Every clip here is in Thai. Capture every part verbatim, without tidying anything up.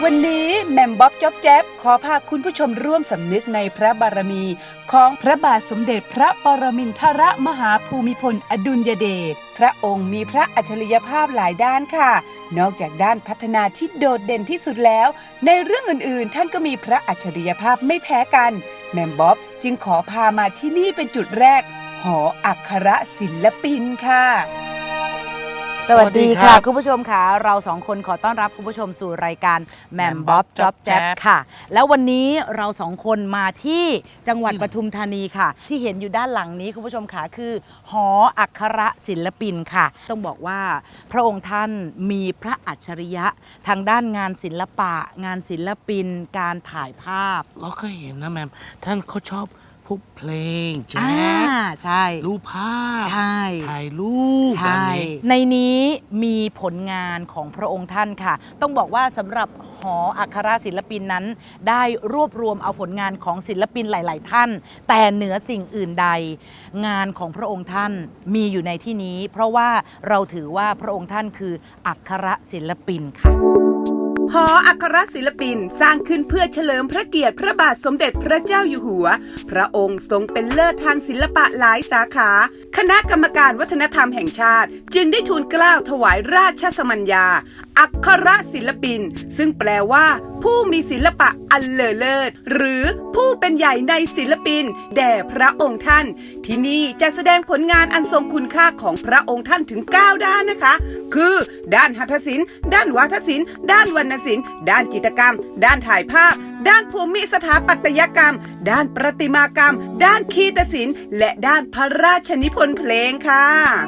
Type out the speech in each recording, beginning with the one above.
วันนี้แหม่มบ๊อบจ๊อบแจ๊บขอพาคุณผู้ชมร่วมสำนึกในพระบารมีของพระบาทสมเด็จพระปรมินทรมหาภูมิพลอดุลยเดชพระองค์มีพระอัจฉริยภาพหลายด้านค่ะนอกจากด้านพัฒนาที่โดดเด่นที่สุดแล้วในเรื่องอื่นๆท่านก็มีพระอัจฉริยภาพไม่แพ้กันแหม่มบ๊อบจึงขอพามาที่นี่เป็นจุดแรกหออักขระศิลปินค่ะสวัสดีค่ะคุณผู้ชมค่ะเราสองคนขอต้อนรับคุณผู้ชมสู่รายการแหม่มบ๊อบจ๊อบแจ๊บค่ะแล้ววันนี้เราสองคนมาที่จังหวัดปทุมธานีค่ะที่เห็นอยู่ด้านหลังนี้คุณผู้ชมค่ะคือหออักขระศิลปินค่ะต้องบอกว่าพระองค์ท่านมีพระอัจฉริยะทางด้านงานศิลปะงานศิลปินการถ่ายภาพเราก็เห็นนะแม่ท่านเขาชอบพวกเพลงแจ๊สใช่รูปภาพใช่ถ่ายรูปใช่ในนี้มีผลงานของพระองค์ท่านค่ะต้องบอกว่าสำหรับหออักขระศิลปินนั้นได้รวบรวมเอาผลงานของศิลปินหลายๆท่านแต่เหนือสิ่งอื่นใดงานของพระองค์ท่านมีอยู่ในที่นี้เพราะว่าเราถือว่าพระองค์ท่านคืออักขระศิลปินค่ะหออักขระศิลปินสร้างขึ้นเพื่อเฉลิมพระเกียรติพระบาทสมเด็จพระเจ้าอยู่หัวพระองค์ทรงเป็นเลิศทางศิลปะหลายสาขาคณะกรรมการวัฒนธรรมแห่งชาติจึงได้ทูลเกล้าถวายราชสมัญญาอักขระศิลปินซึ่งแปลว่าผู้มีศิลปะอันเลอเลิศหรือผู้เป็นใหญ่ในศิลปินแด่พระองค์ท่านที่นี่จะแสดงผลงานอันทรงคุณค่าของพระองค์ท่านถึงเก้าด้านนะคะคือด้านหัตถศิลป์ด้านวาทศิลป์ด้านวรรณศิลป์ด้านจิตรกรรมด้านถ่ายภาพด้านภูมิสถาปัตยกรรมด้านประติมากรรมด้านคีตศิลป์และด้านพระราชนิพนธ์เพลงค่ะ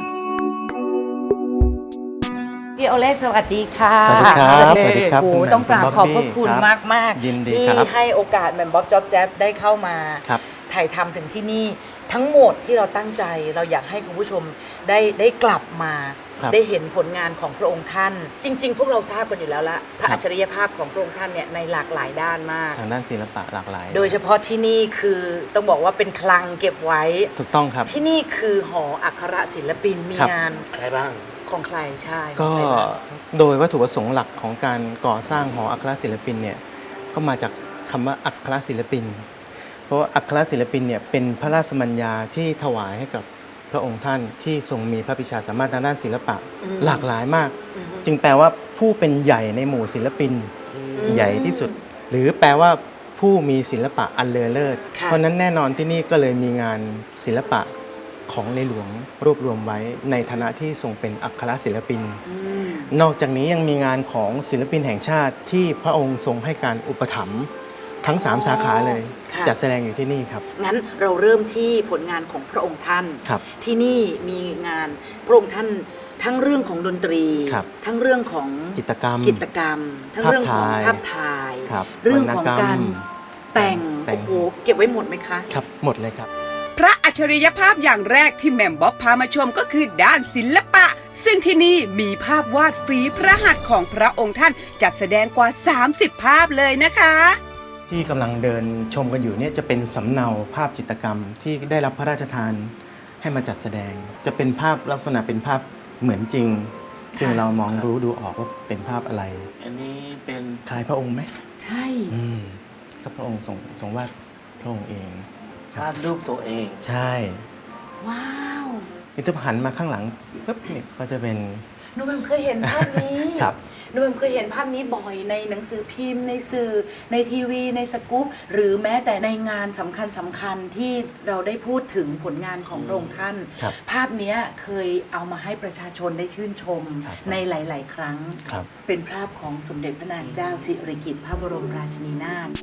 พี่โอเล่สวัสดีค่ะสวัสดีครับสวัสดีครับโอ้ต้องกราบขอบพระคุณมากมากที่ให้โอกาสแหม่มบ๊อบจ๊อบแจ๊บได้เข้ามาถ่ายทำถึงที่นี่ทั้งหมดที่เราตั้งใจเราอยากให้คุณผู้ชมได้ได้กลับมาได้เห็นผลงานของพระองค์ท่านจริงๆพวกเราทราบกันอยู่แล้วละพระอัจฉริยภาพของพระองค์ท่านเนี่ยในหลากหลายด้านมากทางด้านศิลปะหลากหลายโดยเฉพาะที่นี่คือต้องบอกว่าเป็นคลังเก็บไว้ถูกต้องครับที่นี่คือหออักขระศิลปินมีงานอะไรบ้างของใครใช่ก็โดยวัตถุประสงค์หลักของการก่อสร้างหออักขระศิลปินเนี่ยก็มาจากคำว่าอักขระศิลปินเพราะว่าอักขระศิลปินเนี่ยเป็นพระราชมัญญาที่ถวายให้กับพระองค์ท่านที่ทรงมีพระปรีชาสามารถทางด้านศิลปะหลากหลายมากจึงแปลว่าผู้เป็นใหญ่ในหมู่ศิลปินใหญ่ที่สุดหรือแปลว่าผู้มีศิลปะอันเลอเลิศเพราะนั้นแน่นอนที่นี่ก็เลยมีงานศิลปะของในหลวงรวบรวมไว้ในฐานะที่ทรงเป็นอักขระศิลปินนอกจากนี้ยังมีงานของศิลปินแห่งชาติที่พระองค์ทรงให้การอุปถัมภ์ทั้งสามสาขาเลยจัดแสดงอยู่ที่นี่ครับงั้นเราเริ่มที่ผลงานของพระองค์ท่านที่นี่มีงานพระองค์ท่านทั้งเรื่องของดนตรีทั้งเรื่องของจิตรกรรมจิตรกรรมทั้งเรื่องของภาพถ่ายเรื่องของการแต่งโอ้โหเก็บไว้หมดไหมคะครับหมดเลยครับพระอัจฉริยภาพอย่างแรกที่แหม่มบ๊อบพามาชมก็คือด้านศิลปะซึ่งที่นี่มีภาพวาดฝีพระหัตถ์ของพระองค์ท่านจัดแสดงกว่าสามสิบภาพเลยนะคะที่กำลังเดินชมกันอยู่เนี่ยจะเป็นสำเนาภาพจิตรกรรมที่ได้รับพระราชทานให้มาจัดแสดงจะเป็นภาพลักษณะเป็นภาพเหมือนจริงซึ่งเรามองรู้ดูออกว่าเป็นภาพอะไรอันนี้เป็นคล้ายพระองค์ไหมใช่ก็พระองค์ทรงทรงวาดพระองค์เองวาดรูปตัวเองใช่ว้าวนี่ถ้าหันมาข้างหลังปุ๊บนี่ก็จะเป็นหนูเพิ่งเคยเห็นภาพนี้ครับหนูเคยเห็นภาพนี้บ่อยในหนังสือพิมพ์ในสื่อในทีวีในสกู๊ปหรือแม้แต่ในงานสำคัญสำคัญที่เราได้พูดถึงผลงานของพระองค์ท่านภาพนี้เคยเอามาให้ประชาชนได้ชื่นชมในหลายๆครั้งเป็นภาพของสมเด็จพระนางเจ้าสิริกิติ์พระบรมราชินีนาถ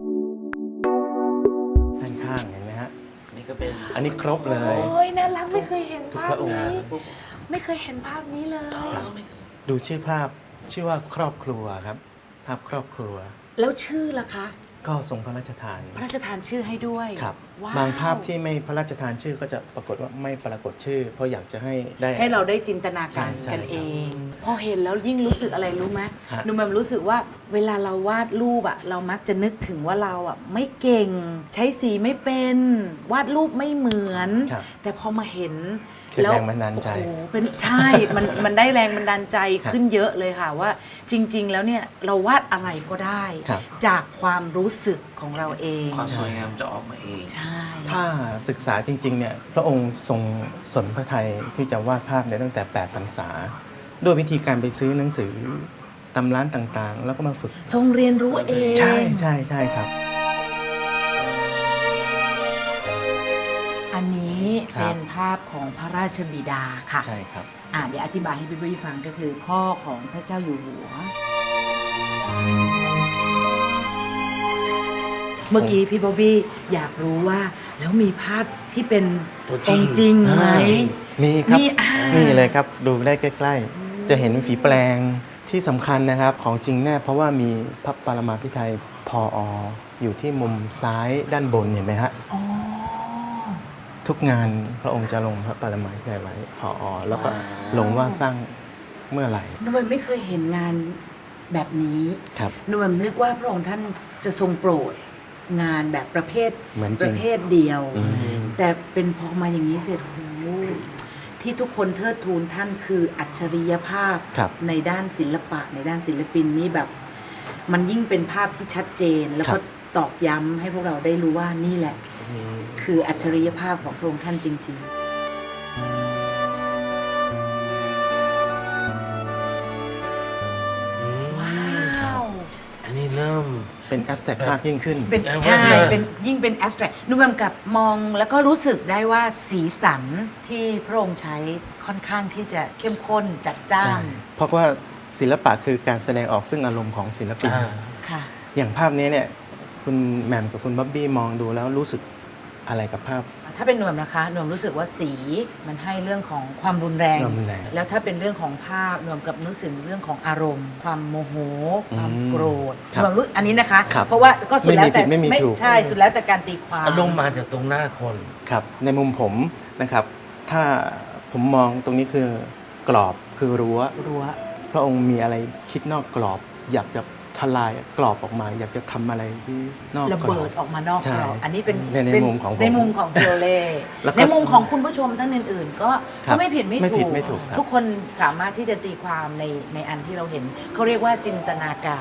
ด้านข้างเห็นไหมฮะนี่ก็เป็นอันนี้ครบเลยโอ้ยน่ารักไม่เคยเห็นภาพนี้ไม่เคยเห็นภาพนี้เลยดูชื่อภาพชื่อว่าครอบครัวครับภาพครอบครัวแล้วชื่อล่ะคะก็ทรงพระราชทานพระราชทานชื่อให้ด้วยครับว้าวบางภาพที่ไม่พระราชทานชื่อก็จะปรากฏว่าไม่ปรากฏชื่อ เพราะอยากจะให้ได้ให้เราได้จินตนาการใช่กันใช่เอง พอเห็นแล้วยิ่งรู้สึกอะไรรู้ไหมฮะหนูแบบรู้สึกว่าเวลาเราวาดรูปอะเรามักจะนึกถึงว่าเราอะไม่เก่ง ใช้สีไม่เป็นวาดรูปไม่เหมือนครับแต่พอมาเห็นเป็นแรงบันดาลใจโอ้โหเป็นใช่ มันมันได้แรงบันดาลใจครับขึ้นเยอะเลยค่ะว่าจริง ๆ แล้วเนี่ยเราวาดอะไรก็ได้ครับจากความรู้สึกของเราเองความสวยงามจะออกมาเองใช่ถ้าศึกษาจริงๆเนี่ยพระองค์ทรงสนพระทัยที่จะวาดภาพเนี่ยตั้งแต่แปดพรรษาด้วยวิธีการไปซื้อหนังสือตำร้านต่างๆ แล้วก็มาฝึกทรงเรียนรู้เองใช่ใช่ใช่ครับอันนี้ครัเป็บนภาพของพระราชบิดาค่ะใช่ครับอ่าเดี๋ยวอธิบายให้พี่ปุ้ยฟังก็คือพ่อของพระเจ้าอยู่หัว เมื่อกี้พี่บ๊อบบี้อยากรู้ว่า แล้วมีภาพที่เป็นตัวจริอง งค์จริงไหมอ่ามีครับมีอ่านี่นี่เลยครับดูได้ใกล้ๆ จะเห็นฝีแปลงที่สำคัญนะครับของจริงแน่เพราะว่ามีพระปรมาภิไธยพอออยู่ที่มุมซ้ายด้านบนเห็นไหมฮะอ๋อทุกงานพระองค์จะลงพระปรมาภิไธยไว้พออแล้วก็ลงว่าสร้างเมื่อไหร่หนูมันไม่เคยเห็นงานแบบนี้ครับหนูมันนึกว่าพระองค์ท่านจะทรงโปรดงานแบบประเภทเหมือนจปริงระเภทเดียวอืมแต่เป็นพอมาอย่างนี้เสร็จโอ้โหที่ทุกคนเทิดทูนท่านคืออัจฉริยภาพครับในด้านศิลปะในด้านศิลปินนี่แบบ มันยิ่งเป็นภาพที่ชัดเจน แล้วก็ตอกย้ำให้พวกเราได้รู้ว่านี่แหละ คืออัจฉริยภาพของพระองค์ท่านจริง ๆ ว้าวอันนี้เริ่มเป็นแอ s แ r กมากยิ่งขึ้นเป็นแอบใช่ว่าเลยเป็นยิ่งเป็น abstract นุ่มกับมองแล้วก็รู้สึกได้ว่าสีสันที่พระองค์ใช้ค่อนข้างที่จะเข้มข้นจัดจ้าใช่นเพราะว่าศิลปะคือการแสดงออกซึ่งอารมณ์ของศิลปินอ่าค่ะอย่างภาพนี้เนี่ยคุณแหม่มกับคุณบ๊อบบี้มองดูแล้วรู้สึกอะไรกับภาพถ้าเป็นหน่วมนะคะหน่วมรู้สึกว่าสีมันให้เรื่องของความรุนแรงความรุนแรงแล้วถ้าเป็นเรื่องของภาพหน่วมกับนึกถึงเรื่องของอารมณ์ ความโมโห ความอืมโกรธครับหน่วมรู้อันนี้นะคะครับเพราะว่าก็สุดแล้วแต่ไม่มีผิดไม่มีถูกใช่สุดแล้วแต่การตีความอารมณ์มาจากตรงหน้าคนครับในมุมผมนะครับถ้าผมมองตรงนี้คือกรอบคือรั้วรั้วพระองค์มีอะไรคิดนอกกรอบ อยากจะทลายกรอบออกมา อยากจะทำอะไรที่นอกระกรเบิอดบออกมานอกใช่กรอบอันนี้เป็นในในเป็มุมของผมในมุมของเทโอเล่แล้วก็ในมุมของคุณผู้ชมท่านอื่น ๆ ก็ครัก็บไม่ผิดไม่ไม่ผิถูดกไม่ถูกครับทุกคนสามารถที่จะตีความในในอันที่เราเห็น เขาเรียกว่าจินตนาการ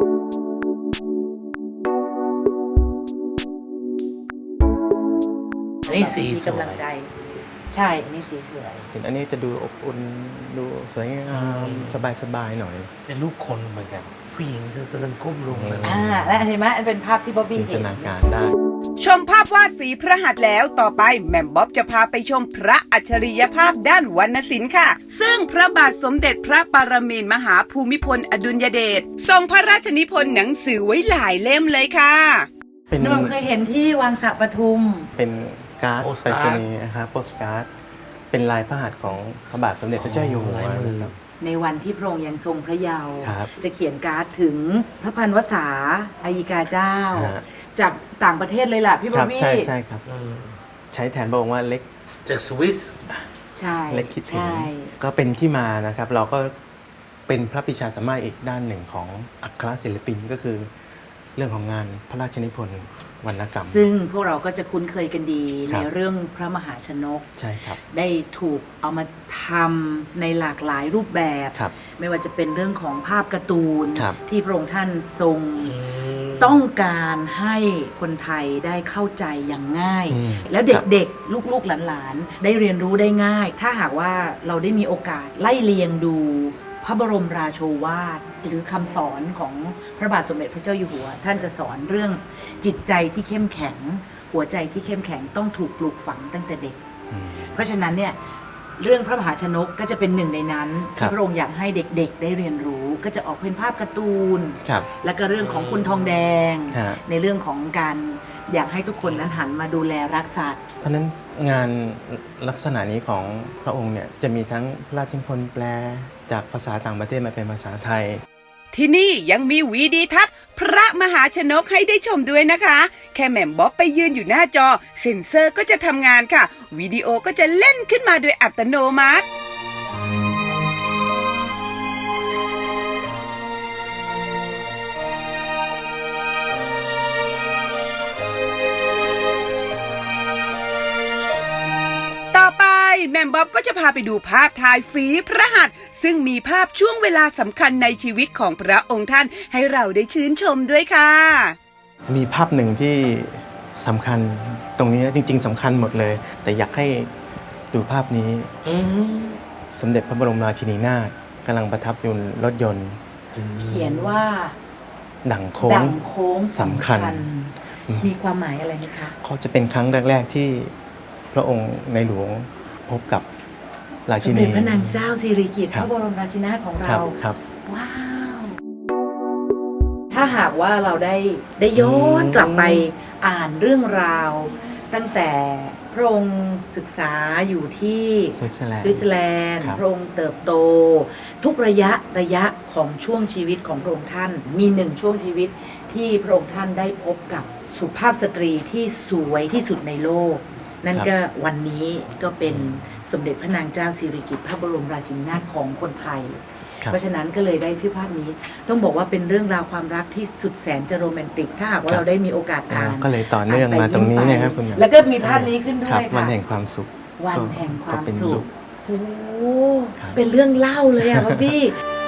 อันนี้สีมีสวกำลังยใจ ใช่อันนี้สีสวยถึงอันนี้จะดูอบอุ่นดูสวยงามสบายๆหน่อยเป็นรูปคนเหมือนกัน ผู้หญิงคือกำลังก้มลงเลยอ่าและเห็นไหมอันเป็นภาพที่บ๊อบบี้จินตเห็นนาการได้ชมภาพวาดฝีพระหัตถ์แล้วต่อไปแหม่มบ๊อบจะพาไปชมพระอัจฉริยภาพด้านวรรณศิลป์ค่ะ ซึ่งพระบาทสมเด็จพระปรมินทรมหาภูมิพลอดุลยเดชทรงพระราชนิพนธ์หนังสือไว้หลายเล่มเลยค่ะเป็นนุ่มเคยเห็นที่วังสระปทุมเป็นการ์ดโปสไปรการ์ดษณีย์นะครับโปสการ์ดเป็นลายพระหัตถ์ของพระบาทสมเด็จพระเจ้าอยู่หัวลายมือนะครับในวันที่พระองค์ยังทรงพระเยาว์ครับจะเขียนการ์ดถึงพระพันวษาอายิกาเจ้าฮะจากต่างประเทศเลยล่ะพี่คบ๊อรับบ บี้ใช่ใช่ครับอืมใช้แทนพระองค์ว่าเล็กจากสวิสใช่เล็กคิดถึงใช่ก็เป็นที่มานะครับ เราก็เป็นพระปิชาสามารถอีกด้านหนึ่งของอัครศิลปินก็คือ เรื่องของงานพระราชนิพนธ์วรรณกรรมซึ่งพวกเราก็จะคุ้นเคยกันดีครัในบเรื่องพระมหาชนกใช่ครับได้ถูกเอามาทำในหลากหลายรูปแบบครับไม่ว่าจะเป็นเรื่องของภาพการ์ตูนครับที่พระองค์ท่านทรงอืมต้องการให้คนไทยได้เข้าใจอย่างง่ายอืมแล้วเด็กๆ ลูกๆหลานๆ ได้เรียนรู้ได้ง่าย ถ้าหากว่าเราได้มีโอกาสไล่เลียงดู พระบรมราโชวาท หรือคำสอนของพระบาทสมเด็จพระเจ้าอยู่หัว ท่านจะสอนเรื่องจิตใจที่เข้มแข็ง หัวใจที่เข้มแข็งต้องถูกปลูกฝังตั้งแต่เด็กอืมเพราะฉะนั้นเนี่ยเรื่องพระมหาชนกก็จะเป็นหนึ่งในนั้นครัที่บพระองค์อยากให้เด็กๆ ได้เรียนรู้ ก็จะออกเป็นภาพการ์ตูนครับแล้วก็เรื่องของคุณทองแดงฮะในเรื่องของการอยากให้ทุกคนนั้นหันมาดูแลรักสัตว์เพราะฉะนั้นงานลักษณะนี้ของพระองค์เนี่ยจะมีทั้งพระราชนิพนธ์แปลจากภาษาต่างประเทศมาเป็นภาษาไทยที่นี่ยังมีวีดีทัศน์พระมหาชนกให้ได้ชมด้วยนะคะ แค่แหม่มบ๊อบไปยืนอยู่หน้าจอเซ็นเซอร์ก็จะทำงานค่ะวิดีโอก็จะเล่นขึ้นมาโดยอัตโนมัติต่อไปแหม่มบ๊อบก็จะพาไปดูภาพถ่ายฝีพระหัตถ์ซึ่งมีภาพช่วงเวลาสำคัญในชีวิตของพระองค์ท่านให้เราได้ชื่นชมด้วยค่ะมีภาพหนึ่งที่สำคัญตรงนี้นะจริง ๆสำคัญหมดเลย แต่อยากให้ดูภาพนี้อืมสมเด็จพระบรมราชินีนาถกำลังประทับอยู่รถยนต์เขียนว่าดั่งโค้ดังงโค้งสำคัญมีความหมายอะไรไหมคะเขาจะเป็นครั้งแรก ๆ ที่พระองค์ในหลวงพบกับราสชิมนีเด็จพระนางเจ้าสิริกิติ์ครัพบระบรมราชินีนาถของครัเราบครับว้าว ถ้าหากว่าเราได้ได้ย้อนกลับไปอ่านเรื่องราว ตั้งแต่พระองค์ศึกษาอยู่ที่สวิตเซอร์แลนด์สวิตเซอร์แลนด์ครับพระองค์เติบโต ทุกระยะระยะของช่วงชีวิตของพระองค์ท่าน มีหนึ่งช่วงชีวิตที่พระองค์ท่านได้พบกับสุภาพสตรีที่สวยที่สุดในโลก นั่นก็วันนี้ก็เป็นสมเด็จพระนางเจ้าสิริกิติ์พระบรมราชินีนาถของคนไทยครับเพราะฉะนั้นก็เลยได้ชื่อภาพนี้ ต้องบอกว่าเป็นเรื่องราวความรักที่สุดแสนจะโรแมนติก ถ้าหากว่าครับเราได้มีโอกาสอ่าอ่านก็เลยต่อเนื่องไปมาตรงนี้ยิ้เนะครับคุณหมอแล้วก็มีภาพนี้ขึ้นด้ครัวบยวันค่ะแห่งความสุขวันแห่งความก็เป็นสุขโอ้โหครับเป็นเรื่องเล่าเลยอะพ่อพี่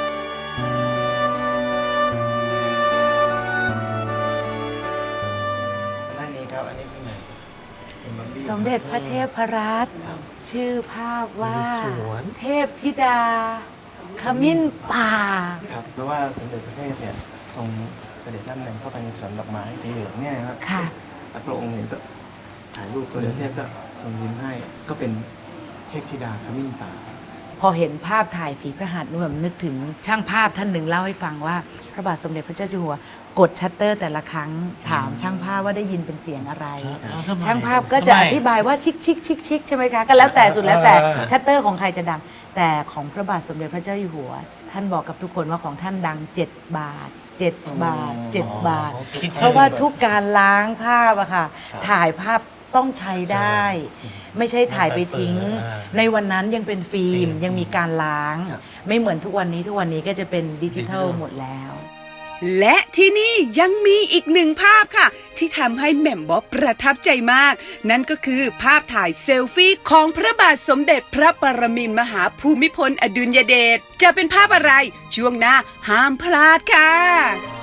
ด้านนี้ครับอันนี้คือไหนเป็นบัมบี้สมเด็จพระเทพรัตน์ชื่อภาพว่าสวนเทพธิดา ขมิ้นป่าครับเพราะว่าสมเด็จพระเทพเนี่ยทรงเสด็จน้ำเนินเข้าไปในสวนดอกไม้สีเหลืองเนี่ยนะครับค่ะแล้วพระองค์เห็นก็ถ่ายรูปสมเด็จพระเทพก็ทรงยิ้มให้ก็เป็นเทพธิดาขมิ้นป่าพอเห็นภาพถ่ายฝีพระหัตถ์นุ่มนึกถึงช่างภาพท่านหนึ่งเล่าให้ฟังว่า พระบาทสมเด็จพระเจ้าอยู่หัว กดชัตเตอร์แต่ละครั้งถามช่างภาพว่าได้ยินเป็นเสียงอะไรอ่ทำไมช่างภาพก็จะทำไมอธิบายว่าชิคชิคชิคชิคใช่ไหมคะก็แล้วแต่สุดแล้วแต่เออเออชัตเตอร์ของใครจะดัง แต่ของพระบาทสมเด็จพระเจ้าอยู่หัว ท่านบอกกับทุกคนว่าของท่านดังเจ็ดบาทเจ็ดบาทเจ็ดบาทคิดเพราะว่าทุกการล้างภาพอะค่ะ ถ่ายภาพต้องใช้ได้ ไม่ใช่ถ่ายไปทิ้ง ในวันนั้นยังเป็นฟิล์มยังมีการล้างครับไม่เหมือนทุกวันนี้ทุกวันนี้ก็จะเป็นดิจิทัลหมดแล้วและที่นี่ยังมีอีกหนึ่งภาพค่ะ ที่ทำให้แหม่มบ๊อบประทับใจมาก นั่นก็คือภาพถ่ายเซลฟี่ของพระบาทสมเด็จพระปรมินทรมหาภูมิพลอดุลยเดชจะเป็นภาพอะไรช่วงหน้าห้ามพลาดค่ะ